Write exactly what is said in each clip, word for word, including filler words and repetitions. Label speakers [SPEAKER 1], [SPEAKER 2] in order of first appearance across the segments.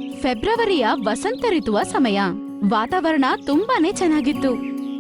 [SPEAKER 1] ಫೆಬ್ರವರಿಯ ವಸಂತ ಋತುವ ಸಮಯ. ವಾತಾವರಣ ತುಂಬಾನೇ ಚೆನ್ನಾಗಿತ್ತು.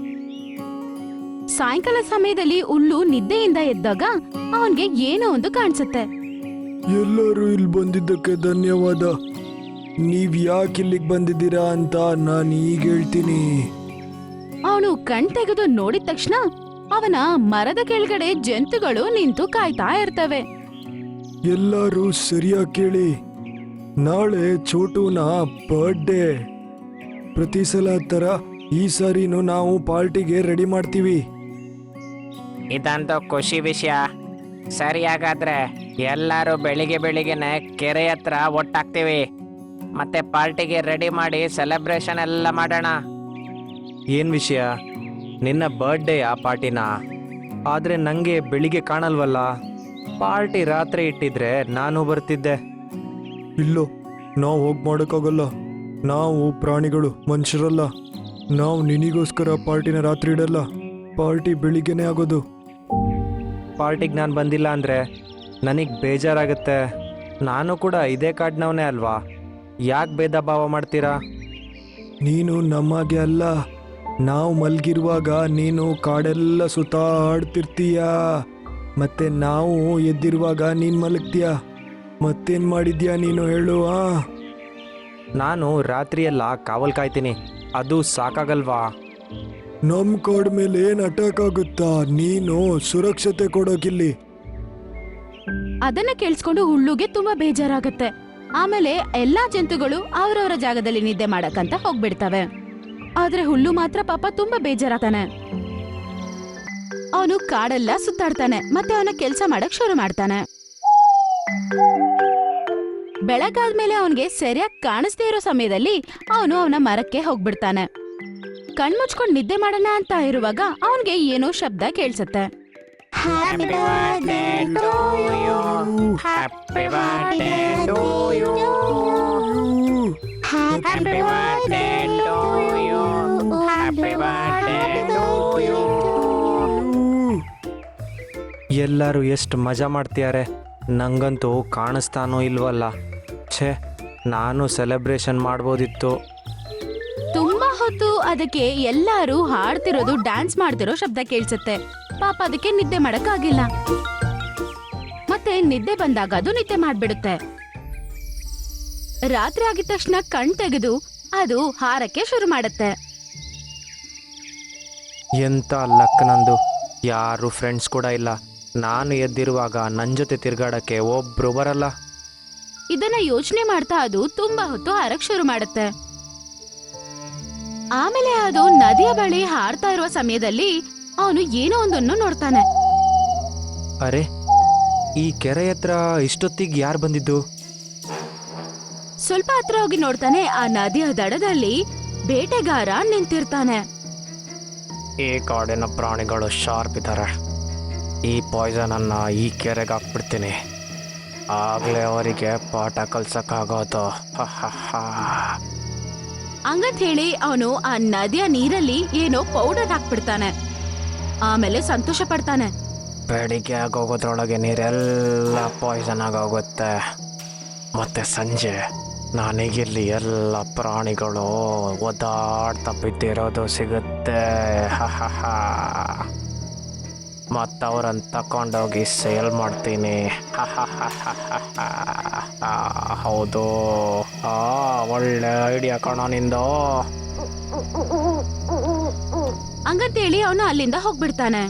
[SPEAKER 1] ಸಾಯಂಕಾಲ ಸಮಯದಲ್ಲಿ ಹುಲ್ಲು ನಿದ್ದೆಯಿಂದ ಎದ್ದಾಗ ಅವನ್ಗೆ ಏನೋ ಒಂದು ಕಾಣಿಸುತ್ತೆ.
[SPEAKER 2] ಎಲ್ಲರೂ ಇಲ್ಲಿ ಬಂದಿದ್ದಕ್ಕೆ ಧನ್ಯವಾದ. ನೀವ್ ಯಾಕೆ ಇಲ್ಲಿಗೆ ಬಂದಿದ್ದೀರಾ ಅಂತ ನಾನು ಈಗ ಹೇಳ್ತೀನಿ.
[SPEAKER 1] ಅವನು ಕಣ್ ತೆಗೆದು ನೋಡಿದ ತಕ್ಷಣ ಅವನ ಮರದ ಕೆಳಗಡೆ ಜಂತುಗಳು ನಿಂತು ಕಾಯ್ತಾ ಇರ್ತವೆ.
[SPEAKER 2] ಎಲ್ಲರೂ ಸರಿಯಾಗಿ ಕೇಳಿ, ನಾಳೆ ಚೋಟುನ ಬರ್ಡೇ. ಪ್ರತಿ ಸಲ ತರ ಈ ಸಾರಿನೂ ನಾವು ಪಾರ್ಟಿಗೆ ರೆಡಿ ಮಾಡ್ತೀವಿ.
[SPEAKER 3] ಇದಂತೂ ಖುಷಿ ವಿಷಯ. ಸರಿ, ಹಾಗಾದ್ರೆ ಎಲ್ಲರೂ ಬೆಳಿಗ್ಗೆ ಬೆಳಿಗ್ಗೆನೆ ಕೆರೆ ಹತ್ರ ಒಟ್ಟಾಗ್ತೀವಿ. ಮತ್ತೆ ಪಾರ್ಟಿಗೆ ರೆಡಿ ಮಾಡಿ ಸೆಲೆಬ್ರೇಷನ್ ಎಲ್ಲ ಮಾಡೋಣ.
[SPEAKER 4] ಏನು ವಿಷಯ? ನಿನ್ನ ಬರ್ಡೇ ಆ ಪಾರ್ಟಿನ? ಆದರೆ ನನಗೆ ಬೆಳಿಗ್ಗೆ ಕಾಣಲ್ವಲ್ಲ. ಪಾರ್ಟಿ ರಾತ್ರಿ ಇಟ್ಟಿದ್ರೆ ನಾನು ಬರ್ತಿದ್ದೆ.
[SPEAKER 2] ಇಲ್ಲೋ, ನಾವು ಹೋಗಿ ಮಾಡೋಕ್ಕಾಗಲ್ಲ. ನಾವು ಪ್ರಾಣಿಗಳು, ಮನುಷ್ಯರಲ್ಲ. ನಾವು ನಿನಗೋಸ್ಕರ ಪಾರ್ಟಿನ ರಾತ್ರಿ ಇಡಲ್ಲ. ಪಾರ್ಟಿ ಬೆಳಿಗ್ಗೆನೆ ಆಗೋದು.
[SPEAKER 4] ಪಾರ್ಟಿಗೆ ನಾನು ಬಂದಿಲ್ಲ ಅಂದರೆ ನನಗೆ ಬೇಜಾರಾಗುತ್ತೆ. ನಾನು ಕೂಡ ಇದೇ ಕಾಡ್ನವನೇ ಅಲ್ವಾ? ಯಾಕೆ ಭೇದ ಭಾವ ಮಾಡ್ತೀರಾ?
[SPEAKER 2] ನೀನು ನಮಗೆ ಅಲ್ಲ. ನಾವು ಮಲ್ಗಿರುವಾಗ ನೀನು ಕಾಡೆಲ್ಲ ಸುತ್ತಾಡ್ತಿರ್ತೀಯ. ಮತ್ತೆ ನಾವು ಎದ್ದಿರುವಾಗ ನೀನು ಮಲಗ್ತೀಯ. ಮತ್ತೇನು ಮಾಡಿದ್ಯಾ ನೀನು ಹೇಳು? ಆ
[SPEAKER 4] ನಾನು ರಾತ್ರಿಯೆಲ್ಲ ಕಾವಲ್ ಕಾಯ್ತೀನಿ. ಅದು ಸಾಕಾಗಲ್ವಾ?
[SPEAKER 2] ನಮ್ಮ ಕಾಡ್ ಮೇಲೆ ಏನು ಅಟ್ಯಾಕ್ ಆಗುತ್ತಾ? ನೀನು ಸುರಕ್ಷತೆ ಕೊಡೋಕಿಲ್ಲಿ.
[SPEAKER 1] ಅದನ್ನ ಕೇಳಿಸ್ಕೊಂಡು ಹುಲ್ಲುಗೆ ತುಂಬಾ ಬೇಜಾರಾಗತ್ತೆ. ಆಮೇಲೆ ಎಲ್ಲಾ ಜಂತುಗಳು ಅವರವರ ಜಾಗದಲ್ಲಿ ನಿದ್ದೆ ಮಾಡಕ್ಕಂತ ಹೋಗ್ಬಿಡ್ತವೆ. ಆದ್ರೆ ಹುಲ್ಲು ಮಾತ್ರ ಪಾಪ ತುಂಬಾ ಬೇಜಾರಾಗ್ತಾನೆ. ಅವನು ಕಾಡೆಲ್ಲ ಸುತ್ತಾಡ್ತಾನೆ ಮತ್ತೆ ಅವನ ಕೆಲ್ಸ ಮಾಡಕ್ ಶುರು ಮಾಡ್ತಾನೆ. ಬೆಳಗಾದ್ಮೇಲೆ ಅವನ್ಗೆ ಸರಿಯಾಗಿ ಕಾಣಿಸ್ದೇ ಇರೋ ಸಮಯದಲ್ಲಿ ಅವನು ಅವನ ಮರಕ್ಕೆ ಹೋಗ್ಬಿಡ್ತಾನೆ. ಕಣ್ಮುಚ್ಕೊಂಡ್ ನಿದ್ದೆ ಮಾಡೋಣ ಅಂತ ಇರುವಾಗ ಅವನ್ಗೆ ಏನೋ ಶಬ್ದ ಕೇಳ್ಸತ್ತೆ.
[SPEAKER 3] Happy birthday to you. Happy birthday to you. Happy birthday to you. Happy birthday to you.
[SPEAKER 4] ಎಲ್ಲರೂ ಎಷ್ಟು ಮಜಾ ಮಾಡ್ತಿದ್ದಾರೆ. ನಂಗಂತೂ ಕಾಣಿಸ್ತಾನೋ ಇಲ್ವಲ್ಲ. ಛೇ, ನಾನು ಸೆಲೆಬ್ರೇಷನ್ ಮಾಡ್ಬೋದಿತ್ತು.
[SPEAKER 1] ತುಂಬಾ ಹೊತ್ತು ಅದಕ್ಕೆ ಎಲ್ಲಾರು ಹಾಡ್ತಿರೋದು, ಡ್ಯಾನ್ಸ್ ಮಾಡ್ತಿರೋ ಶಬ್ದ ಕೇಳ್ಸತ್ತೆ. ಪಾಪ ಅದಕ್ಕೆ ನಿದ್ದೆ ಮಾಡಕ್ಕಾಗಿಲ್ಲ. ಮತ್ತೆ ನಿದ್ದೆ ಬಂದಾಗ ಅದು ನಿದ್ದೆ ಮಾಡ್ಬಿಡುತ್ತೆ. ರಾತ್ರಿ ಆಗಿದ ತಕ್ಷಣ ಕಣ್ ತೆಗೆದು ಅದು ಹಾರಕ್ಕೆ ಶುರು ಮಾಡುತ್ತೆ.
[SPEAKER 4] ಎಂತ ಲಕ್ ನಂದು. ಯಾರು ಫ್ರೆಂಡ್ಸ್ ಕೂಡ ಇಲ್ಲ. ನಾನು ಎದ್ದಿರುವಾಗ ನನ್ನ ಜೊತೆ ತಿರ್ಗಾಡಕ್ಕೆ ಒಬ್ರು ಬರಲ್ಲ.
[SPEAKER 1] ಇದನ್ನ ಯೋಚನೆ ಮಾಡ್ತಾ ಅದು ತುಂಬಾ ಹೊತ್ತು ಹಾರಕ್ ಶುರು ಮಾಡುತ್ತೆ. ಆಮೇಲೆ ಅದು ನದಿಯ ಬಳಿ ಹಾರ್ತಾ ಇರುವ ಸಮಯದಲ್ಲಿ ಅವನು ಏನೋ ಒಂದನ್ನು ನೋಡ್ತಾನೆ.
[SPEAKER 4] ಅರೆ, ಈ ಕೆರೆ ಹತ್ರ ಇಷ್ಟೊತ್ತಿಗೆ ಯಾರು ಬಂದಿದ್ದು?
[SPEAKER 1] ಸ್ವಲ್ಪ ಹತ್ರ ಹೋಗಿ ನೋಡ್ತಾನೆ. ಆ ನದಿಯ ದಡದಲ್ಲಿ ಬೇಟೆಗಾರ ನಿಂತಿರ್ತಾನೆ.
[SPEAKER 4] ಈ ಕಾಡಿನ ಪ್ರಾಣಿಗಳು ಶಾರ್ಪ್ ಇದ್ದಾರೆ. ಈ ಪಾಯ್ಸನ್ ಅನ್ನ ಈ ಕೆರೆಗೆ ಹಾಕ್ಬಿಡ್ತೀನಿ. ಆಗ್ಲೇ ಅವರಿಗೆ ಪಾಠ ಕಲ್ಸಕ್ಕಾಗೋದು.
[SPEAKER 1] ಹಂಗಂತ ಹೇಳಿ ಅವನು ಆ ನದಿಯ ನೀರಲ್ಲಿ ಏನೋ ಪೌಡರ್ ಹಾಕ್ಬಿಡ್ತಾನೆ. ಆಮೇಲೆ ಸಂತೋಷ ಪಡ್ತಾನೆ.
[SPEAKER 4] ಬೆಳಿಗ್ಗೆ ಆಗೋಗೋದ್ರೊಳಗೆ ನೀರೆಲ್ಲ ಪಾಯ್ಸನ್ ಆಗೋಗುತ್ತೆ. ಮತ್ತೆ ಸಂಜೆ ನನಗಿಲ್ಲಿ ಎಲ್ಲ ಪ್ರಾಣಿಗಳು ಒದ್ದಾಡ್ತಾ ಬಿದ್ದಿರೋದು ಸಿಗುತ್ತೆ. ಮತ್ತು ಅವ್ರನ್ನ ತಕೊಂಡೋಗಿ ಸೇಲ್ ಮಾಡ್ತೀನಿ. ಹೌದು, ಆ ಒಳ್ಳೆ ಐಡಿಯಾ ಕಣೋ ನಿಂದು.
[SPEAKER 1] ಹಂಗಂತೇಳಿ ಅವನು ಅಲ್ಲಿಂದ ಹೋಗ್ಬಿಡ್ತಾನೆ.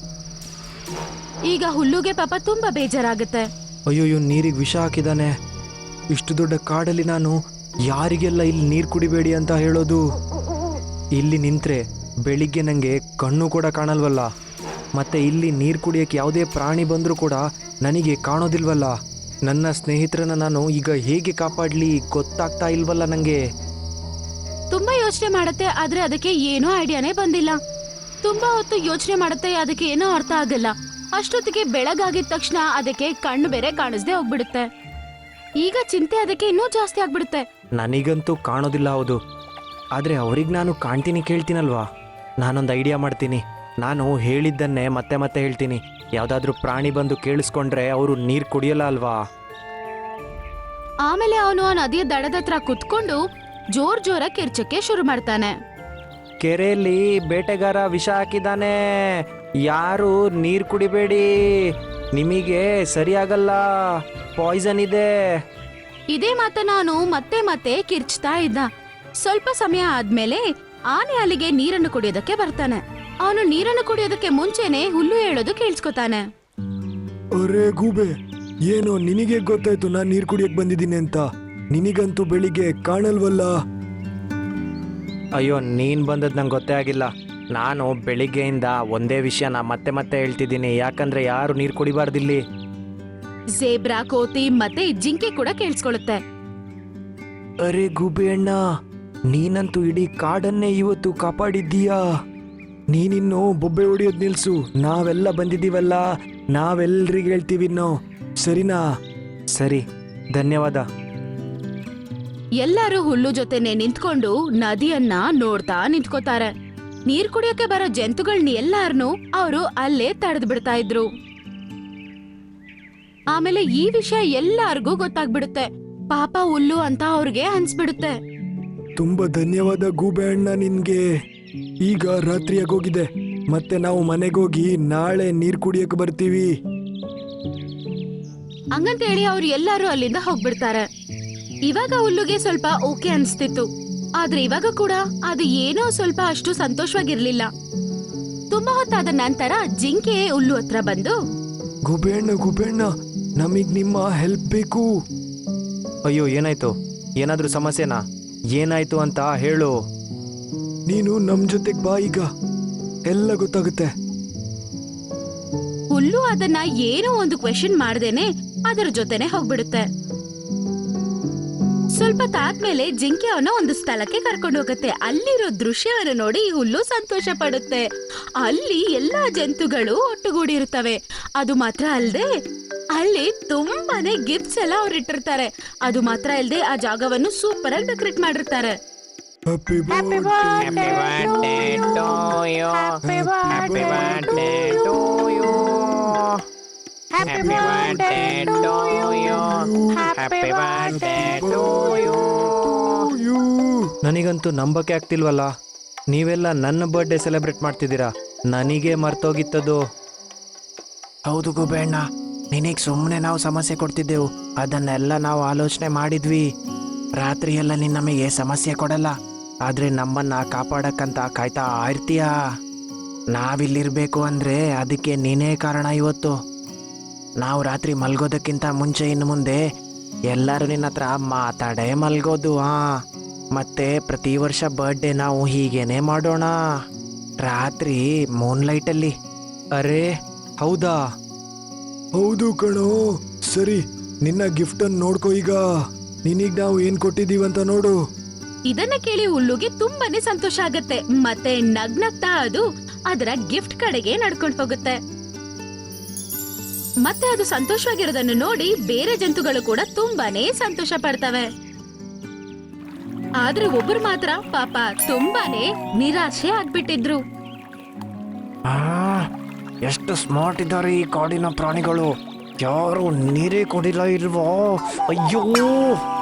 [SPEAKER 1] ಈಗ ಹುಲ್ಲುಗೆ ಪಾಪ ತುಂಬಾ ಬೇಜಾರಾಗುತ್ತೆ.
[SPEAKER 4] ಅಯ್ಯೋಯ್ಯೋ, ನೀರಿಗೆ ವಿಷ ಹಾಕಿದಾನೆ. ಇಷ್ಟು ದೊಡ್ಡ ಕಾಡಲ್ಲಿ ನಾನು ಯಾರಿಗೆಲ್ಲ ಇಲ್ಲಿ ನೀರು ಕುಡಿಬೇಡಿ ಅಂತ ಹೇಳೋದು? ಇಲ್ಲಿ ನಿಂತ್ರೆ ಬೆಳಿಗ್ಗೆ ನನಗೆ ಕಣ್ಣು ಕೂಡ ಕಾಣಲ್ವಲ್ಲ. ಮತ್ತೆ ಇಲ್ಲಿ ನೀರು ಕುಡಿಯೋಕ್ಕೆ ಯಾವುದೇ ಪ್ರಾಣಿ ಬಂದರೂ ಕೂಡ ನನಗೆ ಕಾಣೋದಿಲ್ವಲ್ಲ. ನನ್ನ ಸ್ನೇಹಿತರನ್ನ ನಾನು ಈಗ ಹೇಗೆ ಕಾಪಾಡಲಿ ಗೊತ್ತಾಗ್ತಾ ಇಲ್ವಲ್ಲ ನನಗೆ.
[SPEAKER 1] ತುಂಬಾ ಯೋಚನೆ ಮಾಡುತ್ತೆ. ಆದ್ರೆ ಅದಕ್ಕೆ ಏನೋ ಐಡಿಯಾನೇ ಬಂದಿಲ್ಲ. ತುಂಬಾ ಹೊತ್ತು ಯೋಚನೆ ಮಾಡುತ್ತೆ. ಅದಕ್ಕೆ ಏನೋ ಅರ್ಥ ಆಗಲ್ಲ. ಅಷ್ಟೊತ್ತಿಗೆ ಬೆಳಗಾಗಿದ ತಕ್ಷಣ ಅದಕ್ಕೆ ಕಣ್ಣು ಬೇರೆ ಕಾಣಿಸ್ದೆ ಹೋಗ್ಬಿಡುತ್ತೆ. ಈಗ ಚಿಂತೆ ಅದಕ್ಕೆ ಇನ್ನೂ ಜಾಸ್ತಿ ಆಗ್ಬಿಡುತ್ತೆ.
[SPEAKER 4] ನನಗಂತೂ ಕಾಣೋದಿಲ್ಲ, ಹೌದು. ಆದರೆ ಅವ್ರಿಗೆ ನಾನು ಕಾಣ್ತೀನಿ, ಕೇಳ್ತೀನಲ್ವಾ. ನಾನೊಂದು ಐಡಿಯಾ ಮಾಡ್ತೀನಿ. ನಾನು ಹೇಳಿದ್ದನ್ನೇ ಮತ್ತೆ ಮತ್ತೆ ಹೇಳ್ತೀನಿ. ಯಾವುದಾದ್ರೂ ಪ್ರಾಣಿ ಬಂದು ಕೇಳಿಸ್ಕೊಂಡ್ರೆ ಅವರು ನೀರು ಕುಡಿಯಲ್ಲ ಅಲ್ವಾ.
[SPEAKER 1] ಆಮೇಲೆ ಅವನು ಆ ನದಿಯ ದಡದ ಹತ್ರ ಕುತ್ಕೊಂಡು ಜೋರ್ ಜೋರ ಕಿರ್ಚಕ್ಕೆ ಶುರು ಮಾಡ್ತಾನೆ.
[SPEAKER 4] ಕೆರೆಯಲ್ಲಿ ಬೇಟೆಗಾರ ವಿಷ ಹಾಕಿದಾನೆ, ಯಾರು ನೀರು ಕುಡಿಬೇಡಿ, ನಿಮಗೆ ಸರಿಯಾಗಲ್ಲ, ಪಾಯ್ಸನ್ ಇದೆ.
[SPEAKER 1] ಇದೇ ಮಾತನ್ನ ಅವನು ಮತ್ತೆ ಮತ್ತೆ ಕಿರ್ಚ್ತಾ ಇದ್ದ. ಸ್ವಲ್ಪ ಸಮಯ ಆದ್ಮೇಲೆ ಆನೆ ಅಲ್ಲಿಗೆ ನೀರನ್ನು ಕುಡಿಯೋದಕ್ಕೆ ಬರ್ತಾನೆ. ಅವನು ನೀರನ್ನು ಕುಡಿಯೋದಕ್ಕೆ ಮುಂಚೆನೆ ಹುಲ್ಲು ಹೇಳೋದು ಕೇಳಿಸ್ಕೊತಾನೆ.
[SPEAKER 2] ಅರೆ ಗೂಬೆ, ಏನೋ ನಿನಗೆ ಗೊತ್ತಾಯ್ತು ನಾನು ನೀರು ಕುಡಿಯಕ್ ಬಂದಿದ್ದೀನಿ ಅಂತ? ನಿನಗಂತೂ ಬೆಳಿಗ್ಗೆ ಕಾಣಲ್ವಲ್ಲ.
[SPEAKER 4] ಅಯ್ಯೋ, ನೀನ್ ಬಂದದ್ ನಂಗೆ ಗೊತ್ತೇ ಆಗಿಲ್ಲ. ನಾನು ಬೆಳಿಗ್ಗೆಯಿಂದ ಒಂದೇ ವಿಷಯನ ಮತ್ತೆ ಮತ್ತೆ ಹೇಳ್ತಿದ್ದೀನಿ, ಯಾಕಂದ್ರೆ ಯಾರು ನೀರು ಕುಡಿಬಾರ್ದಿಲ್ಲಿ.
[SPEAKER 1] ಝೇಬ್ರಾ, ಕೋತಿ ಮತ್ತೆ ಜಿಂಕೆ ಕೂಡ ಕೇಳಿಸ್ಕೊಳ್ಳುತ್ತೆ.
[SPEAKER 2] ಅರೆ ಗೂಬೆ ಅಣ್ಣ, ನೀನಂತೂ ಇಡೀ ಕಾಡನ್ನೇ ಇವತ್ತು ಕಾಪಾಡಿದ್ದೀಯಾ. ನೀನಿನ್ನು ಬೊಬ್ಬೆ ಹೊಡಿಯೋದ್ ನಿಲ್ಸು, ನಾವೆಲ್ಲ ಬಂದಿದ್ದೀವಲ್ಲ, ನಾವೆಲ್ರಿಗೆ ಹೇಳ್ತೀವಿ ಇನ್ನು, ಸರಿನಾ?
[SPEAKER 4] ಸರಿ, ಧನ್ಯವಾದ.
[SPEAKER 1] ಎಲ್ಲರೂ ಹುಲ್ಲು ಜೊತೆನೆ ನಿಂತ್ಕೊಂಡು ನದಿಯನ್ನ ನೋಡ್ತಾ ನಿಂತ್ಕೋತಾರೆ. ನೀರ್ ಕುಡಿಯೋಕೆ ಬರೋ ಜಂತುಗಳನ್ನ ಎಲ್ಲಾರ್ನು ಅವರು ಅಲ್ಲೇ ತಡೆದು ಬಿಡ್ತಾ ಇದ್ರು. ಆಮೇಲೆ ಈ ವಿಷಯ ಎಲ್ಲಾರ್ಗೂ ಗೊತ್ತಾಗ್ಬಿಡುತ್ತೆ. ಪಾಪ ಹುಲ್ಲು ಅಂತ ಅವ್ರಿಗೆ ಅನ್ಸ್ಬಿಡುತ್ತೆ.
[SPEAKER 2] ತುಂಬಾ ಧನ್ಯವಾದ ಗೂಬೆ ಅಣ್ಣ ನಿನ್ಗೆ. ಈಗ ರಾತ್ರಿ ಆಗೋಗಿದೆ, ಮತ್ತೆ ನಾವು ಮನೆಗೋಗಿ ನಾಳೆ ನೀರ್ ಕುಡಿಯಕ್ ಬರ್ತೀವಿ.
[SPEAKER 1] ಹಂಗಂತ ಹೇಳಿ ಅವ್ರು ಎಲ್ಲಾರು ಅಲ್ಲಿಂದ ಹೋಗ್ಬಿಡ್ತಾರೆ. ಇವಾಗ ಹುಲ್ಲುಗೆ ಸ್ವಲ್ಪ ಓಕೆ ಅನ್ಸ್ತಿತ್ತು, ಆದ್ರೆ ಇವಾಗ ಕೂಡ ಅದು ಏನೋ ಸ್ವಲ್ಪ ಅಷ್ಟು ಸಂತೋಷವಾಗಿರ್ಲಿಲ್ಲ. ತುಂಬಾ ಹೊತ್ತಾದ ನಂತರ ಜಿಂಕೆ ಹುಲ್ಲು ಹತ್ರ ಬಂದು,
[SPEAKER 2] ಗೂಬೆ ಅಣ್ಣ ಗೂಬೆ ಅಣ್ಣ, ನಮಗ್ ನಿಮ್ಮ ಹೆಲ್ಪ್ ಬೇಕು.
[SPEAKER 4] ಅಯ್ಯೋ, ಏನಾಯ್ತು? ಏನಾದ್ರೂ ಸಮಸ್ಯೆನಾ? ಏನಾಯ್ತು ಅಂತ ಹೇಳು.
[SPEAKER 2] ನೀನು ನಮ್ ಜೊತೆಗ್ ಬಾ, ಈಗ ಎಲ್ಲ ಗೊತ್ತಾಗುತ್ತೆ.
[SPEAKER 1] ಹುಲ್ಲು ಅದನ್ನ ಏನೋ ಒಂದು ಕ್ವೆಶನ್ ಮಾಡ್ದೇನೆ ಅದರ ಜೊತೆನೆ ಹೋಗ್ಬಿಡುತ್ತೆ. ಸ್ವಲ್ಪ ತಾದ್ಮೇಲೆ ಜಿಂಕೆ ಅವನ ಒಂದು ಸ್ಥಳಕ್ಕೆ ಕರ್ಕೊಂಡು ಹೋಗುತ್ತೆ. ಅಲ್ಲಿರೋ ದೃಶ್ಯವನ್ನು ನೋಡಿ ಹುಲ್ಲು ಸಂತೋಷ ಪಡುತ್ತೆ. ಅಲ್ಲಿ ಎಲ್ಲಾ ಜಂತುಗಳು ಒಟ್ಟುಗೂಡಿರುತ್ತವೆ. ಅದು ಮಾತ್ರ ಅಲ್ಲದೆ ಅಲ್ಲಿ ತುಂಬಾನೇ ಗಿಫ್ಟ್ಸ್ ಎಲ್ಲ ಅವ್ರು ಇಟ್ಟಿರ್ತಾರೆ. ಅದು ಮಾತ್ರ ಅಲ್ಲದೆ ಆ ಜಾಗವನ್ನು ಸೂಪರ್ ಆಗಿ ಡೆಕೋರೇಟ್ ಮಾಡಿರ್ತಾರೆ.
[SPEAKER 2] Happy
[SPEAKER 3] Happy birthday to you. Happy birthday to you. Happy birthday to you. Happy birthday to you.
[SPEAKER 4] ನನಗಂತೂ ನಂಬಕ್ಕೆ ಆಗ್ತಿಲ್ವಲ್ಲ, ನೀವೆಲ್ಲ ನನ್ನ ಬರ್ಡೇ ಸೆಲೆಬ್ರೇಟ್ ಮಾಡ್ತಿದ್ದೀರಾ, ನನಗೆ ಮರ್ತೋಗಿತ್ತದು.
[SPEAKER 3] ಹೌದು ಗುಬೇಣ್ಣ, ನಿನಗೆ ಸುಮ್ಮನೆ ನಾವು ಸಮಸ್ಯೆ ಕೊಡ್ತಿದ್ದೆವು. ಅದನ್ನೆಲ್ಲ ನಾವು ಆಲೋಚನೆ ಮಾಡಿದ್ವಿ. ರಾತ್ರಿ ಎಲ್ಲ ನೀನು ನಮಗೆ ಸಮಸ್ಯೆ ಕೊಡಲ್ಲ, ಆದ್ರೆ ನಮ್ಮನ್ನ ಕಾಪಾಡಕ್ಕಂತ ಕಾಯ್ತಾ ಇರ್ತೀಯ. ನಾವಿಲ್ಲಿರ್ಬೇಕು ಅಂದ್ರೆ ಅದಕ್ಕೆ ನೀನೇ ಕಾರಣ. ಇವತ್ತು ನಾವು ರಾತ್ರಿ ಮಲ್ಗೋದಕ್ಕಿಂತ ಮುಂಚೆ ಇನ್ನು ಮುಂದೆ ಎಲ್ಲರೂ ನಿನ್ನ ಹತ್ರ ಮಾತಾಡೇ ಮಲ್ಗೋದು. ಹಾ, ಮತ್ತೆ ಪ್ರತಿ ವರ್ಷ ಬರ್ಡೇ ನಾವು ಹೀಗೇನೆ ಮಾಡೋಣ, ರಾತ್ರಿ ಮೂನ್ ಲೈಟಲ್ಲಿ.
[SPEAKER 4] ಅರೆ ಹೌದಾ?
[SPEAKER 2] ಹೌದು ಕಣೋ. ಸರಿ, ನಿನ್ನ ಗಿಫ್ಟ್ ಅನ್ನು ನೋಡ್ಕೋ. ಈಗ ನಿನಗ್ ನಾವು ಏನ್ ಕೊಟ್ಟಿದೀವಂತ ನೋಡು.
[SPEAKER 1] ಇದನ್ನ ಕೇಳಿ ಹುಲ್ಲುಗೆ ತುಂಬಾನೇ ಸಂತೋಷ ಆಗತ್ತೆ. ಮತ್ತೆ ನಗ್ನಗ್ತಾ ಅದು ಅದರ ಗಿಫ್ಟ್ ಕಡೆಗೆ ನಡ್ಕೊಂಡು ಹೋಗುತ್ತೆ. ಮತ್ತೆ ಅದು ಸಂತೋಷವಾಗಿರೋದನ್ನು ನೋಡಿ ಬೇರೆ ಜಂತುಗಳು ಕೂಡ ತುಂಬಾನೇ ಸಂತೋಷ ಪಡ್ತವೆ. ಆದ್ರೆ ಒಬ್ರು ಮಾತ್ರ ಪಾಪ ತುಂಬಾನೇ ನಿರಾಶೆ ಆಗ್ಬಿಟ್ಟಿದ್ರು.
[SPEAKER 3] ಆ, ಎಷ್ಟು ಸ್ಮಾರ್ಟ್ ಇದ್ದಾರೆ ಈ ಕಾಡಿನ ಪ್ರಾಣಿಗಳು. ಯಾರು ನೀರೇ ಕೊಡಿಲ್ಲ ಇಲ್ವೋ? ಅಯ್ಯೋ,